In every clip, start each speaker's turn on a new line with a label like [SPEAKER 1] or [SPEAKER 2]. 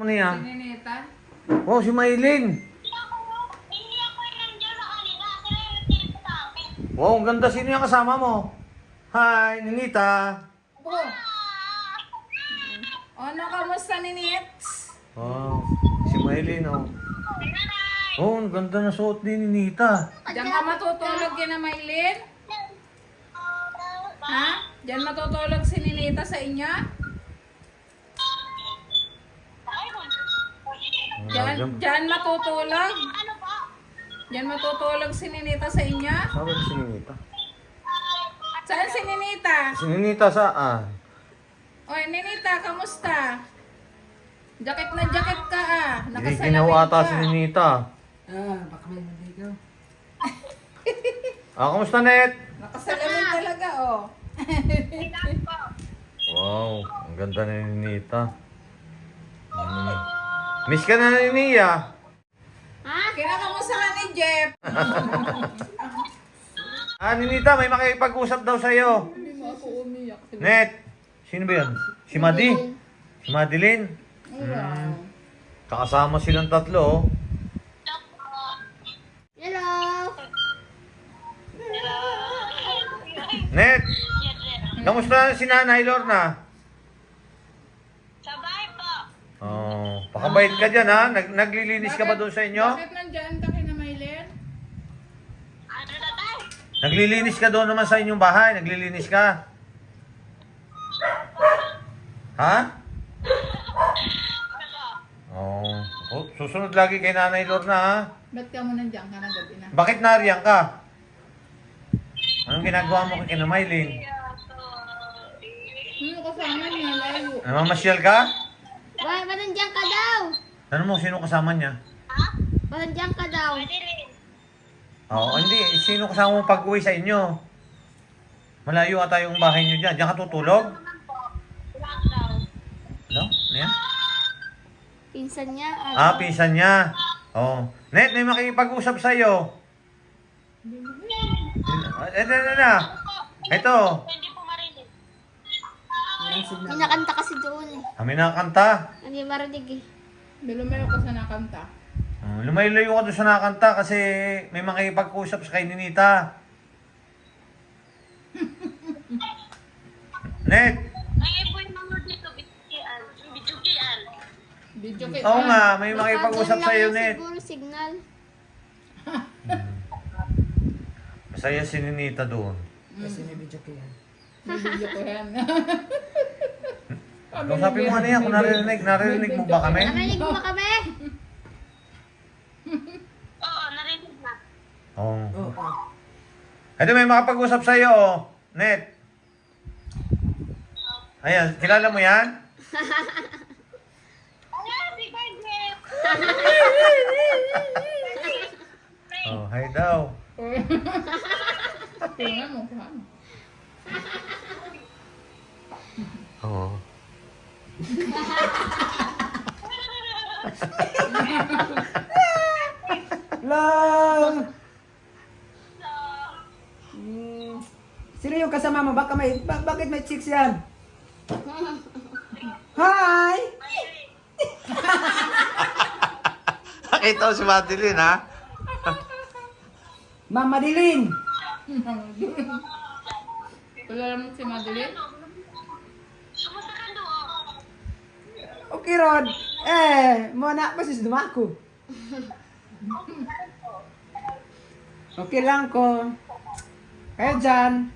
[SPEAKER 1] Ano yan?
[SPEAKER 2] Si Ninita?
[SPEAKER 1] Oh, si Maylin.
[SPEAKER 3] Hindi ako yung nandiyan sa kanila. Sila yung nagtito sa akin.
[SPEAKER 1] Wow, ang ganda. Sino yung kasama mo? Hi, Ninita.
[SPEAKER 2] Oh. Ano, kamusta Ninits?
[SPEAKER 1] Wow, si Maylin, oh. Oh, ang ganda na suot ni Ninita.
[SPEAKER 2] Diyan ka matutulog kina Maylin? Ha? Diyan matutulog si Ninita sa inyo? Diyan matutulog?
[SPEAKER 3] Ano po?
[SPEAKER 2] Diyan matutulog si Ninita sa inyo?
[SPEAKER 1] Sabi ko si Ninita.
[SPEAKER 2] Saan si Ninita?
[SPEAKER 1] Si Ninita saan?
[SPEAKER 2] Oy, Ninita, kamusta? Jacket na jacket ka ah.
[SPEAKER 1] Hindi
[SPEAKER 2] Nakasalamin
[SPEAKER 1] ginawa ata
[SPEAKER 2] ka.
[SPEAKER 1] si Ninita.
[SPEAKER 4] Baka may naligaw.
[SPEAKER 1] Kamusta, Net?
[SPEAKER 2] Nakasalamin talaga oh.
[SPEAKER 1] Wow, ang ganda ni Ninita. Miss ka na ni Nia.
[SPEAKER 2] Kinakamusta ka ni Jeff?
[SPEAKER 1] Ninita, may makipag-usap daw sa'yo.
[SPEAKER 2] Hindi mo ako umiyak.
[SPEAKER 1] Net, sino ba yun? Si Madi? Si Madeline?
[SPEAKER 2] Wow.
[SPEAKER 1] Kakasama silang tatlo, oh.
[SPEAKER 3] Hello.
[SPEAKER 1] Net, kamusta si Nanay Lorna?
[SPEAKER 3] Sabay po.
[SPEAKER 1] Oh, pakabait ka dyan, ha? Naglilinis ka ba doon sa inyo?
[SPEAKER 2] Bakit nandyan ka kina Maylin?
[SPEAKER 3] Ano na tayo?
[SPEAKER 1] Naglilinis ka doon naman sa inyong bahay? Naglilinis ka? Ha? Oh, susunod lagi kay Nanay Lorna, ha?
[SPEAKER 2] Ba't ka mo nandyan ka na gabi na?
[SPEAKER 1] Bakit nariyan ka? Anong ginagawa mo kay Maylin?
[SPEAKER 2] Sino kasama niya? Layo.
[SPEAKER 1] Namamasyal ka?
[SPEAKER 3] Why, nandiyan ka daw?
[SPEAKER 1] Ano mo, sino kasama niya?
[SPEAKER 3] Nandiyan ka daw. Pwede rin.
[SPEAKER 1] Oo, hindi. Sino kasama mo pag-uwi sa inyo? Malayo ata yung bahay niyo dyan. Diyan ka tutulog?
[SPEAKER 3] Lang daw.
[SPEAKER 1] Ano? Ano yan?
[SPEAKER 3] Pinsan niya.
[SPEAKER 1] Pinsan niya. Oo. Net, may makikipag-usap sa'yo. Ito. Ito.
[SPEAKER 3] Hindi po marinig.
[SPEAKER 4] Walang signal.
[SPEAKER 3] Minakanta kasi doon eh.
[SPEAKER 1] Kami nakakanta.
[SPEAKER 3] Hindi marinig eh.
[SPEAKER 2] Bilumayo ka sa nakanta.
[SPEAKER 1] Lumayo-layo ka doon sa nakakanta kasi may makikipag-usap sa kay Ninita. Net.
[SPEAKER 3] Ay, po yung mga dito. Bitukian. Bitukian.
[SPEAKER 2] Video kay
[SPEAKER 1] Oo nga, may makikipag-usap sa'yo, Net.
[SPEAKER 3] Siguro signal.
[SPEAKER 1] Masaya si Ninita doon.
[SPEAKER 4] Kasi may video ko yan.
[SPEAKER 2] May video ko yan.
[SPEAKER 1] Kung sabi mo ano yan, kung narinig mo ba kami?
[SPEAKER 3] Narinig mo ba kami? Oo, narinig na.
[SPEAKER 1] Oo.
[SPEAKER 4] Oo.
[SPEAKER 1] Ito may makapag-usap sa'yo, oh. Net. Ayan, kilala mo yan?
[SPEAKER 3] Ayan, si Bardet.
[SPEAKER 1] Oh, hi daw.
[SPEAKER 2] Tingnan mo pa.
[SPEAKER 1] Oo.
[SPEAKER 4] Lang! Sino yung kasama mo? Bakit may chicks yan? Hi!
[SPEAKER 1] Nakita ko si Madeline, ha?
[SPEAKER 4] Mama Dilin!
[SPEAKER 2] Kilala mo si Madeline?
[SPEAKER 3] Kumusta ka doon?
[SPEAKER 4] Okay, Rod. Muna pa sis dumako. Okay lang ko. Kayo dyan.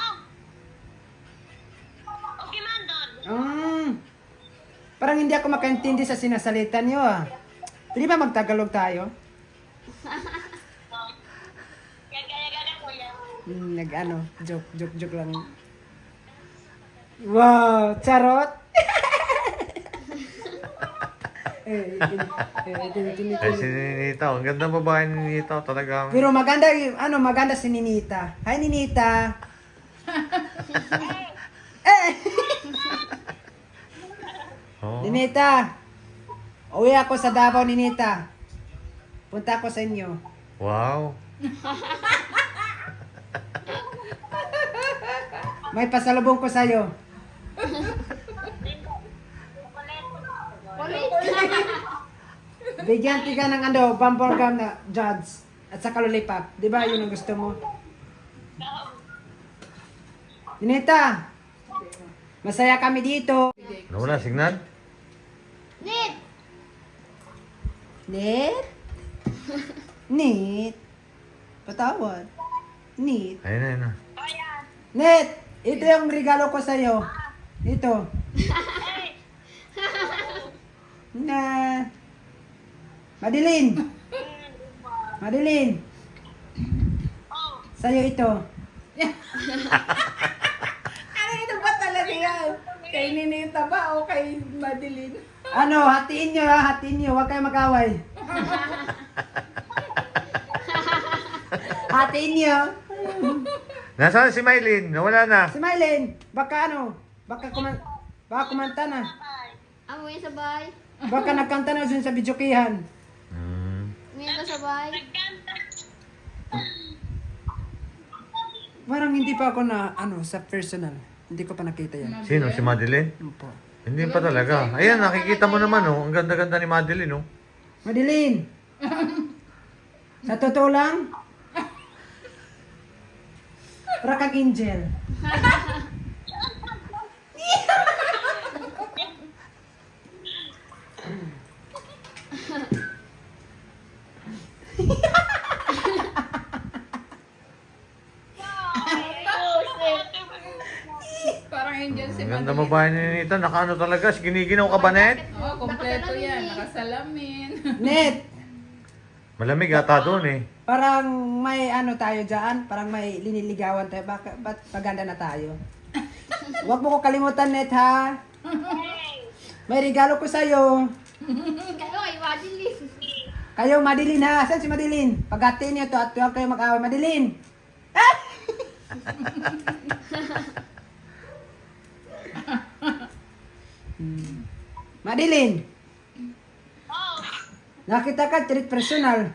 [SPEAKER 3] Okay man doon.
[SPEAKER 4] Parang hindi ako makaintindi sa sinasalita niyo ah. Pwede ba magtagalog tayo?
[SPEAKER 3] Gagaya-gaya ko yan.
[SPEAKER 4] Nag-ano, joke lang. Wow, charot!
[SPEAKER 1] Ay, si Ninita. Ang ganda babae ni Ninita. Talagang...
[SPEAKER 4] Pero maganda, maganda si Ninita. Hi, Ninita!
[SPEAKER 1] Oh.
[SPEAKER 4] Ninita! Uwi ako sa Davao, Ninita. Punta ako sa inyo.
[SPEAKER 1] Wow.
[SPEAKER 4] May pasalubong ko sa'yo.
[SPEAKER 3] Ulit.
[SPEAKER 4] Bigyan ka ng ano, bumper gum na judge. At saka lollipop. Di ba yun ang gusto mo? Ninita, masaya kami dito.
[SPEAKER 1] Wala signal?
[SPEAKER 3] Nit!
[SPEAKER 4] Net? Net? Patawad. Net?
[SPEAKER 1] Ayun na.
[SPEAKER 4] Net! Ito yung regalo ko sa'yo. Ito. Na. Madeline. Madeline. Sa'yo ito.
[SPEAKER 2] Ano ito ba talaga yan? Kay Ninita ba o kay Madeline?
[SPEAKER 4] Ano, hatiin nyo ha, hatiin nyo. Huwag kayo mag-away. Hatiin nyo.
[SPEAKER 1] Nasaan si Mylene? Nawala na.
[SPEAKER 4] Si Mylene, baka ano, baka kumanta na.
[SPEAKER 3] Amo yung sabay.
[SPEAKER 4] Baka nagkanta na dun sa bidyokihan.
[SPEAKER 3] Ngayon ka sabay.
[SPEAKER 4] Parang hindi pa ako na, ano, sa personal. Hindi ko pa nakita yan.
[SPEAKER 1] Sino? Si Madeline?
[SPEAKER 4] Po.
[SPEAKER 1] Hindi pa talaga. Ayan, nakikita mo naman, oh. Ang ganda-ganda ni Madeline, oh.
[SPEAKER 4] Madeline! Sa totoo lang, para kang angel.
[SPEAKER 2] Parang angel si
[SPEAKER 1] Ang ganda
[SPEAKER 2] Madeline.
[SPEAKER 1] mo ba ni Nita? Nakaano talaga? Giniginaw ka ba, Net?
[SPEAKER 2] Oo, kompleto yan. Nakasalamin.
[SPEAKER 4] Net,
[SPEAKER 1] Malamig ata doon, eh.
[SPEAKER 4] parang may ano tayo dyan, parang may liniligawan tayo. Ba't maganda na tayo? Huwag mo ko kalimutan, Net, ha? May regalo ko sa'yo.
[SPEAKER 3] Kayo ay Madeline.
[SPEAKER 4] Kayo, Madeline, ha? Saan si Madeline? Paghatiin niyo to at huwag kayo mag-away. Madeline! Madeline! Nakita ka, treat personal.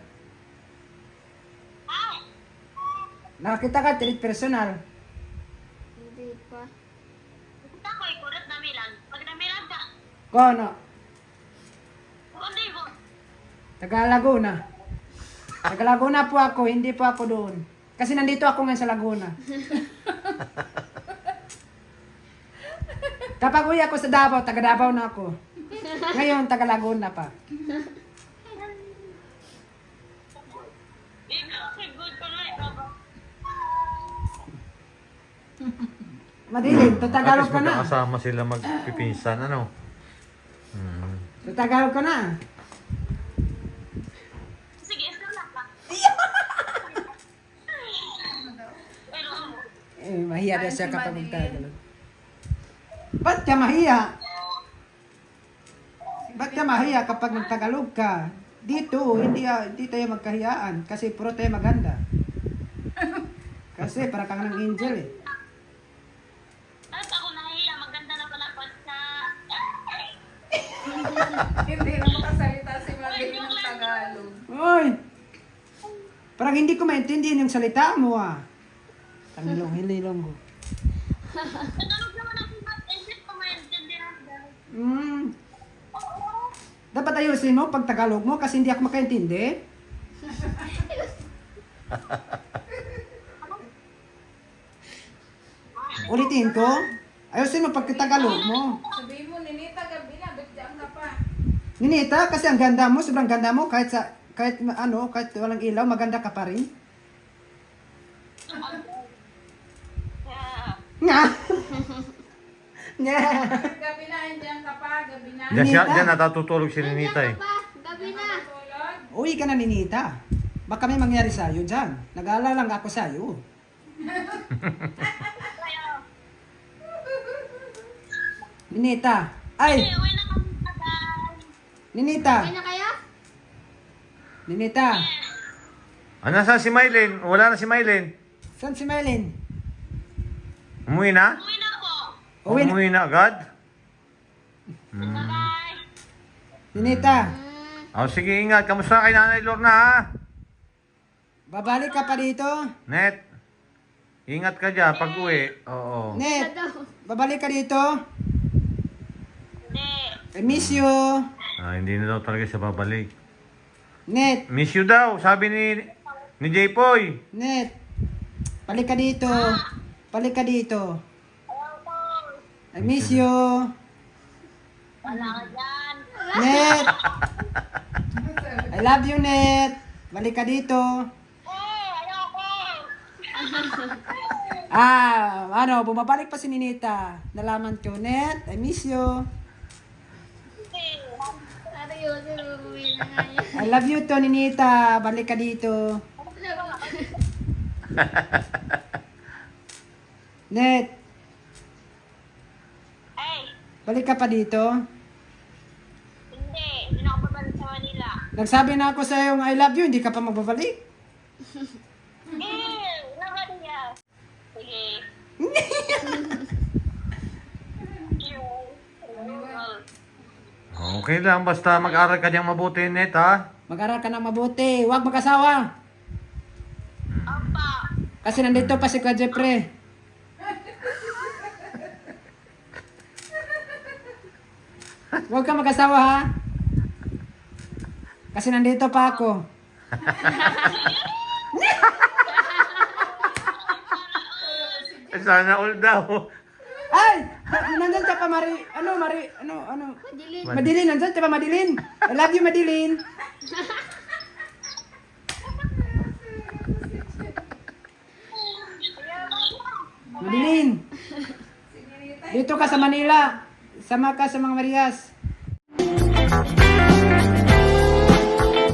[SPEAKER 4] Nakita ka, treat personal.
[SPEAKER 3] Hindi pa. Kita ko ikulat na Milan. Pag namilan ka,
[SPEAKER 4] Kono,
[SPEAKER 3] hindi mo.
[SPEAKER 4] taga Laguna. Taga Laguna po ako, hindi po ako doon. Kasi nandito ako ngayon sa Laguna. Kapag uwi ako sa Davao, taga Davao na ako. Ngayon, taga Laguna pa.
[SPEAKER 3] Ikaw, good ko na ikaw ba?
[SPEAKER 4] Madilim,
[SPEAKER 1] At
[SPEAKER 4] tatagalog
[SPEAKER 1] least
[SPEAKER 4] ka na.
[SPEAKER 1] magkakasama sila magpipinsan, ano?
[SPEAKER 4] Tatagalog ka na.
[SPEAKER 3] Sige, ito lang ka. Pero ano?
[SPEAKER 4] Eh, mahiya daw siya
[SPEAKER 2] Ay, si
[SPEAKER 4] kapag
[SPEAKER 2] Madeline.
[SPEAKER 4] magtagalog. Ba't ka mahiya? Ba't ka mahiya kapag nagtagalog ka? Dito, hindi tayo magkahiyaan kasi puro tayo maganda. Kasi para kang ng angel eh.
[SPEAKER 3] Tapos ako nahiya, maganda na pala pag sa...
[SPEAKER 2] Hindi na makasalita si Madeline ng Tagalog.
[SPEAKER 4] Oy! Parang hindi ko maintindihan yung salita mo ah. Hililong ko.
[SPEAKER 3] Tagalog naman ako, but isip ko maintindihan dahil.
[SPEAKER 4] Dapat ayusin mo pag Tagalog mo kasi hindi ako makaintindi. Ulitin ko. Ayusin mo pag Tagalog mo.
[SPEAKER 2] Sabihin mo, Ninita, gabi na, ba't dyan ka pa?
[SPEAKER 4] Ninita, kasi ang ganda mo, sobrang ganda mo kahit kahit walang ilaw, maganda ka pa rin. Nga. Nga.
[SPEAKER 2] Gabi na, andyan ka pa, gabi na.
[SPEAKER 1] Diyan natatutulog si Ninita, eh.
[SPEAKER 3] Gabi na.
[SPEAKER 2] Tulog.
[SPEAKER 4] Uwi ka na, Ninita. Baka may mangyari sa'yo dyan. Nag-aalala lang ako sa'yo. Ninita. Ay!
[SPEAKER 3] Uwi na kami agad.
[SPEAKER 4] Ninita.
[SPEAKER 3] Uwi na kaya?
[SPEAKER 4] Ninita.
[SPEAKER 1] Ah, nasaan si Mylene? Wala na si Mylene.
[SPEAKER 4] Saan si Mylene?
[SPEAKER 1] Umuwi na?
[SPEAKER 3] Uwi na po.
[SPEAKER 4] Uwi na.
[SPEAKER 1] Umuwi na agad?
[SPEAKER 3] Bye.
[SPEAKER 4] Ninita.
[SPEAKER 1] Oh, sige, ingat. Kamusta kay Nanay Lorna, ha?
[SPEAKER 4] Babalik ka pa dito?
[SPEAKER 1] Net. Ingat ka dyan pag uwi. Oo.
[SPEAKER 4] Net. Babalik ka dito?
[SPEAKER 3] Hindi.
[SPEAKER 4] I miss you.
[SPEAKER 1] Ah, hindi na daw talaga siya babalik.
[SPEAKER 4] Net,
[SPEAKER 1] Miss you daw, sabi ni J-Poy.
[SPEAKER 4] Net. Balik ka dito. Balik ka dito. I miss you.
[SPEAKER 3] Wala ka dyan.
[SPEAKER 4] Net. I love you, Net. Balik ka dito.
[SPEAKER 3] Ayoko.
[SPEAKER 4] Bumabalik pa si Ninita. Nalaman ko, Net. I miss you.
[SPEAKER 3] Ano yun? Uuwi na nga yun.
[SPEAKER 4] I love you to, Ninita. Balik ka dito. Net,
[SPEAKER 3] Hey,
[SPEAKER 4] balik ka pa dito.
[SPEAKER 3] hindi na ako babalik sa Manila.
[SPEAKER 4] Nagsabi na ako sa yung I love you, hindi ka pa magbabalik.
[SPEAKER 3] Naman niya. Sige.
[SPEAKER 1] Okay lang, basta mag-aral ka diyang mabuti, Net, ha?
[SPEAKER 4] Mag-aral ka na mabuti. Huwag mag-asawa.
[SPEAKER 3] Apa.
[SPEAKER 4] Kasi nandito pa si Kuya Jeffrey. Huwag ka mag-asawa, ha? Kasi nandito pa ako.
[SPEAKER 1] Sana all daw.
[SPEAKER 4] Ay! Nandun ka pa, Madilin, nandun ka pa, Madilin. I love you, Madilin. Madilin. Dito ka sa Manila. Sama ka sa mga Marias.